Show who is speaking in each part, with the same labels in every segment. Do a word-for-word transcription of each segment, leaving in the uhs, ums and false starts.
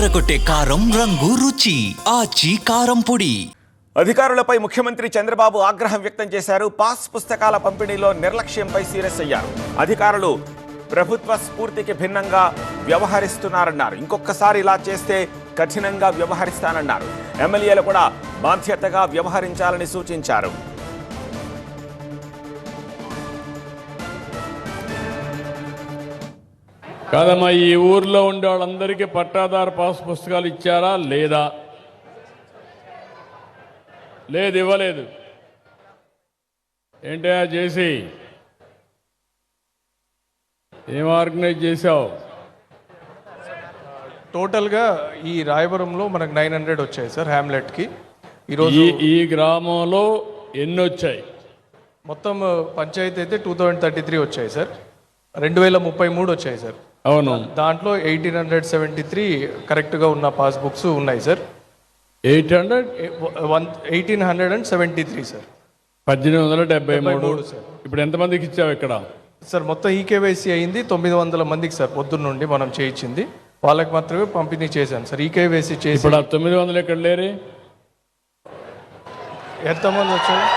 Speaker 1: అదరగొట్టే కారం రంగు రుచి ఆచి కారం పొడి.
Speaker 2: అధికారులపై ముఖ్యమంత్రి చంద్రబాబు ఆగ్రహం వ్యక్తం చేశారు. పాస్ పుస్తకాల పంపిణీలో నిర్లక్ష్యంపై సీరియస్ అయ్యారు. అధికారులు ప్రభుత్వ స్ఫూర్తికి భిన్నంగా వ్యవహరిస్తున్నారన్నారు. ఇంకొకసారి ఇలా చేస్తే కఠినంగా వ్యవహరిస్తానన్నారు. ఎమ్మెల్యేలు కూడా బాధ్యతగా వ్యవహరించాలని సూచించారు.
Speaker 3: కాదమ్మా, ఈ ఊర్లో ఉండే వాళ్ళందరికీ పట్టాదారు పాస్ పుస్తకాలు ఇచ్చారా లేదా? లేదు, ఇవ్వలేదు. ఏంటయ్యా చేసి ఏం ఆర్గనైజ్ చేసావు?
Speaker 4: టోటల్గా ఈ రాయవరంలో మనకు నైన్ హండ్రెడ్ వచ్చాయి సార్ హ్యామ్లెట్కి. ఈరోజు
Speaker 3: ఈ గ్రామంలో ఎన్ని వచ్చాయి?
Speaker 4: మొత్తం పంచాయతీ అయితే టూ థౌజండ్ థర్టీ త్రీ వచ్చాయి సార్. రెండు వేల ముప్పై మూడు వచ్చాయి సార్.
Speaker 3: అవును,
Speaker 4: దాంట్లో ఎయిటీన్ హండ్రెడ్ సెవెంటీ త్రీ కరెక్ట్గా ఉన్న పాస్బుక్స్ ఉన్నాయి sir.
Speaker 3: Eight hundred
Speaker 4: one eighteen hundred and seventy three sir.
Speaker 3: పద్దెనిమిది వందల డెబ్బై మూడు
Speaker 4: సార్.
Speaker 3: ఇప్పుడు ఎంతమందికి ఇచ్చావు ఇక్కడ?
Speaker 4: సార్ మొత్తం ఈకేవైసీ అయింది తొమ్మిది వందల మందికి సార్. పొద్దున్న నుండి మనం చేయించింది వాళ్ళకి మాత్రమే పంపిణీ చేశాను సార్. ఈకేవైసీ చేసి
Speaker 3: ఇప్పుడు ఆ తొమ్మిది వందలు ఎక్కడ లేరు?
Speaker 4: ఎంతమంది వచ్చారు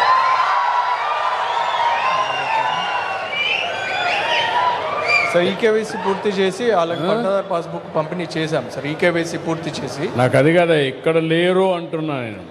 Speaker 4: సార్? ఈకేవైసీ పూర్తి చేసి వాళ్ళకి పట్టాదారు పాస్బుక్ పంపిణీ చేశాం సార్. ఈకేవైసీ పూర్తి చేసి.
Speaker 3: నాకు అది కదా ఇక్కడ లేరు అంటున్నా నేను.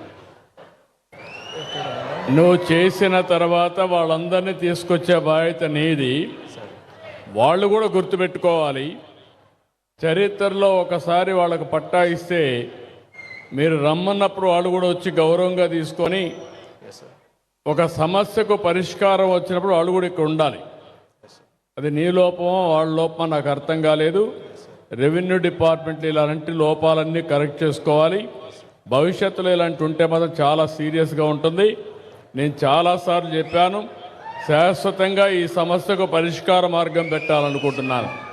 Speaker 3: నువ్వు చేసిన తర్వాత వాళ్ళందరినీ తీసుకొచ్చే బాధ్యత నీది. వాళ్ళు కూడా గుర్తుపెట్టుకోవాలి. చరిత్రలో ఒకసారి వాళ్ళకు పట్టా ఇస్తే మీరు రమ్మన్నప్పుడు వాళ్ళు కూడా వచ్చి గౌరవంగా తీసుకొని ఒక సమస్యకు పరిష్కారం వచ్చినప్పుడు వాళ్ళు కూడా ఇక్కడ ఉండాలి. అది నీ లోపమో వాళ్ళ లోపమో నాకు అర్థం కాలేదు. రెవెన్యూ డిపార్ట్మెంట్లో ఇలాంటి లోపాలన్నీ కరెక్ట్ చేసుకోవాలి. భవిష్యత్తులో ఇలాంటి ఉంటే మాత్రం చాలా సీరియస్గా ఉంటుంది. నేను చాలాసార్లు చెప్పాను, శాశ్వతంగా ఈ సమస్యకు పరిష్కార మార్గం పెట్టాలనుకుంటున్నాను.